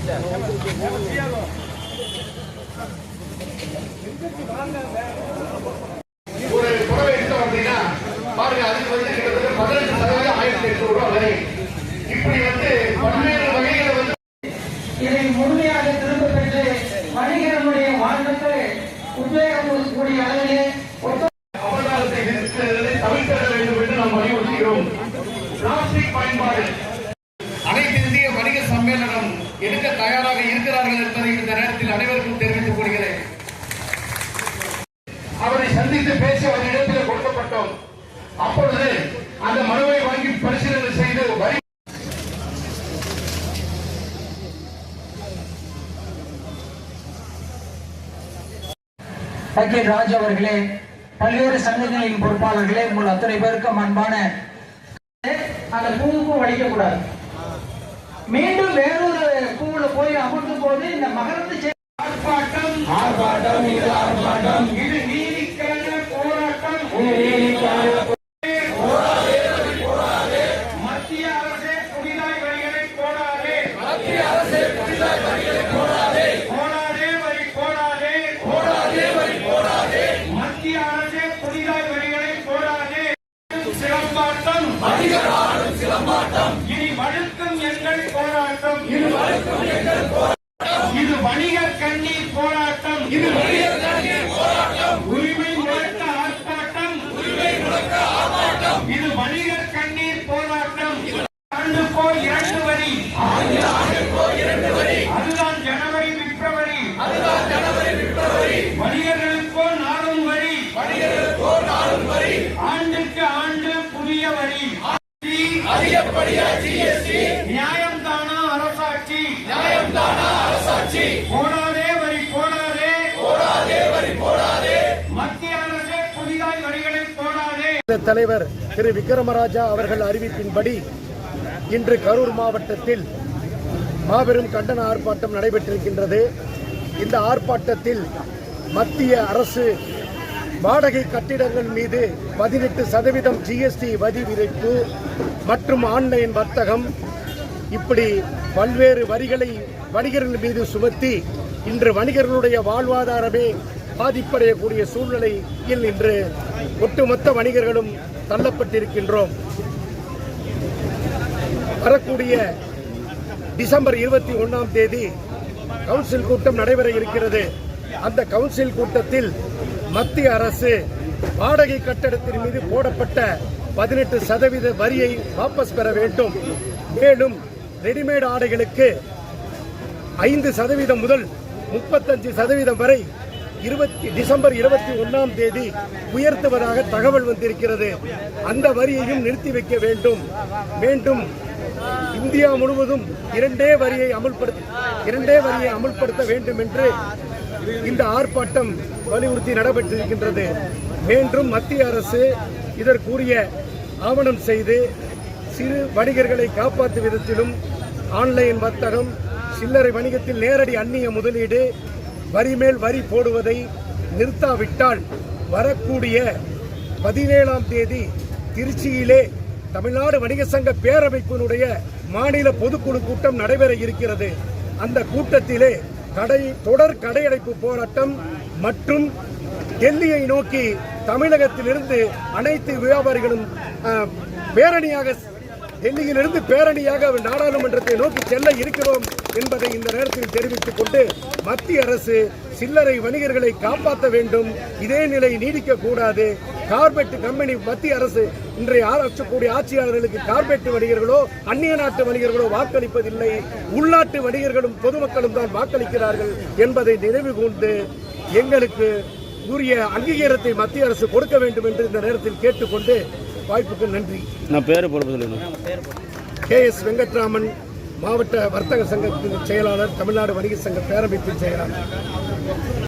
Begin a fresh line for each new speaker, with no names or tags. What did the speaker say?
ஒரு புடவை எடுத்தோம் அப்படின்னா பாருங்க, அதுக்கு வந்து கிட்டத்தட்ட 15% 1800 ரூபாய் வரை. இப்படி வந்து பல்வேறு வகைகளை வந்து
இதை முழுமையாக திரும்ப பெற்று வணிகர்களுடைய வாழ்க்கை உத்வேகம் கொடுக்கக்கூடிய அளவிலே
அவதாரத்தை தவிர்க்க வேண்டும் என்று நாம் வலியுறுத்துகிறோம். பிளாஸ்டிக் பயன்பாடு அனைத்து இந்திய வணிக சம்மேளனம் எடுக்க தயாராக இருக்கிறார்கள் என்பதை இந்த நேரத்தில் அனைவருக்கும் தெரிவித்துக் கொள்கிறேன். அவரை சந்தித்து பேச ஒரு இடத்தில் கொடுக்கப்பட்டோம். அப்பொழுது அந்த மனுவை வாங்கி பரிசீலனை செய்து வரி
ராஜ் அவர்களே, பல்வேறு சங்கங்களின் பொறுப்பாளர்களே, உங்கள் அத்தனை பேருக்கும் அன்பான அந்த பூவுக்கு வலிக்கக்கூடாது. மீண்டும் வேறொரு பூவுல போய் அமர்ந்தும் போது இந்த மகரத்து ஆர்ப்பாட்டம் ஆர்ப்பாட்டம் இது ஆர்ப்பாட்டம் இது நீதிக்கான போராட்டம் மத்திய அரசே புதிதாய் வரிகளை போடாதே. மத்திய அரசே புதிதாய் வரிகளை போடாதே. போடாதே வரி போடாதே. போடாதே வரி போடாதே. மத்திய அரசே புதிதாய் வரிகளை போடாதே. சிலம்பாட்டம் அதிகாரம் சிலம்பாட்டம் இனி வழுக்கும் எங்கள் போராட்டம். இது வழுக்கும் எங்கள் போராட்டம். இது வணிகர் கண்ணீர் போராட்டம். இது வணிகர் கண்ணீர் போராட்டம். உரிமை முழக்க ஆர்ப்பாட்டம். உரிமை முழக்க ஆர்ப்பாட்டம். இது வணிகர் கண்ணீர் போராட்டம். ஆண்டுக்கோ 2 வரி. ஆண்டுக்கோ 2 வரி. அதுதான் ஜனவரி பிப்ரவரி. அதுதான் ஜனவரி பிப்ரவரி. வணிகர்களுக்கோ 4 வரி. வணிகர்களுக்கோ 4 வரி. ஆண்டுக்கு ஆண்டு புதிய வரி. அதிகப்படியா ஜிஎஸ்டி. நியாயம் தானா அரசாட்சி. நியாயம் தானா அரசாட்சி. போடாதே வரி போடாதே. போடாதே வரி போடாதே. மத்திய அரசே புதிதாய் வரிகளை போடாதே.
தலைவர் திரு விக்ரமராஜா அவர்கள் அறிவிப்பின்படி இன்று கரூர் மாவட்டத்தில் மாபெரும் கண்டன ஆர்ப்பாட்டம் நடைபெற்றிருக்கின்றது. இந்த ஆர்ப்பாட்டத்தில் மத்திய அரசு வாடகை கட்டிடங்கள் மீது 18% ஜிஎஸ்டி வரி விதிப்பு மற்றும் ஆன்லைன் வர்த்தகம் இப்படி பல்வேறு வரிகளை வணிகர்கள் மீது சுமத்தி இன்று வணிகர்களுடைய வாழ்வாதாரமே பாதிப்படையக்கூடிய சூழ்நிலையில் இன்று ஒட்டுமொத்த வணிகர்களும் தள்ளப்பட்டிருக்கின்றோம். வரக்கூடிய டிசம்பர் 21ஆம் தேதி கவுன்சில் கூட்டம் நடைபெற இருக்கிறது. அந்த கவுன்சில் கூட்டத்தில் மத்திய அரசு வாடகை கட்டடத்தின் மீது போடப்பட்ட 18% வரியை வாபஸ் பெற வேண்டும். மேலும் ரெடிமேட் ஆடைகளுக்கு 5% முதல் 35% வரை டிசம்பர் 21ஆம் தேதி உயர்த்துவதாக தகவல் வந்திருக்கிறது. அந்த வரியையும் நிறுத்தி வைக்க வேண்டும். மீண்டும் இந்தியா முழுவதும் இரண்டே வரியை அமல்படுத்த வேண்டும் என்று இந்த ஆர்ப்பாட்டம் வலியுறுத்தி நடைபெற்றிருக்கின்றது. மீண்டும் மத்திய அரசு இதற்குரிய ஆவணம் செய்து சிறு வணிகர்களை காப்பாற்றும் விதத்திலும் ஆன்லைன் வர்த்தகம், சில்லறை வணிகத்தில் நேரடி அந்நிய முதலீடு, வரி மேல் வரி போடுவதை நிறுத்தாவிட்டால் வரக்கூடிய 17ஆம் தேதி திருச்சியிலே தமிழ்நாடு வணிக சங்க பேரமைப்பினுடைய மாநில பொதுக்குழு கூட்டம் நடைபெற இருக்கிறது. அந்த கூட்டத்திலே தொடர் கடையடைப்பு போராட்டம் மற்றும் டெல்லியை நோக்கி தமிழகத்திலிருந்து அனைத்து வியாபாரிகளும் டெல்லியிலிருந்து பேரணியாக நாடாளுமன்றத்தை நோக்கி செல்ல இருக்கிறோம் என்பதை இந்த நேரத்தில் தெரிவித்துக் கொண்டு மத்திய அரசு சில்லறை வணிகர்களை காப்பாற்ற வேண்டும். இதே நிலை நீடிக்க கூடாது. கார்பெட் கம்பெனி மத்திய அரசு இன்றைய ஆராய்ச்சக்கூடிய ஆட்சியாளர்களுக்கு கார்பெட் வணிகர்களோ அந்நிய நாட்டு வணிகர்களோ வாக்களிப்பதில்லை. உள்நாட்டு வணிகர்களும் பொதுமக்களும் தான் வாக்களிக்கிறார்கள் என்பதை நினைவு கூர்ந்து எங்களுக்கு உரிய அங்கீகாரத்தை மத்திய அரசு கொடுக்க வேண்டும் என்று இந்த நேரத்தில் கேட்டுக்கொண்டு வாய்ப்புக்கு நன்றி.
நான் பேரு பொறுப்பு சொல்லுங்க.
KS வெங்கட்ராமன், மாவட்ட வர்த்தக சங்கத்தின் செயலாளர், தமிழ்நாடு வணிக சங்க பேரமைப்பின் செயலாளர்.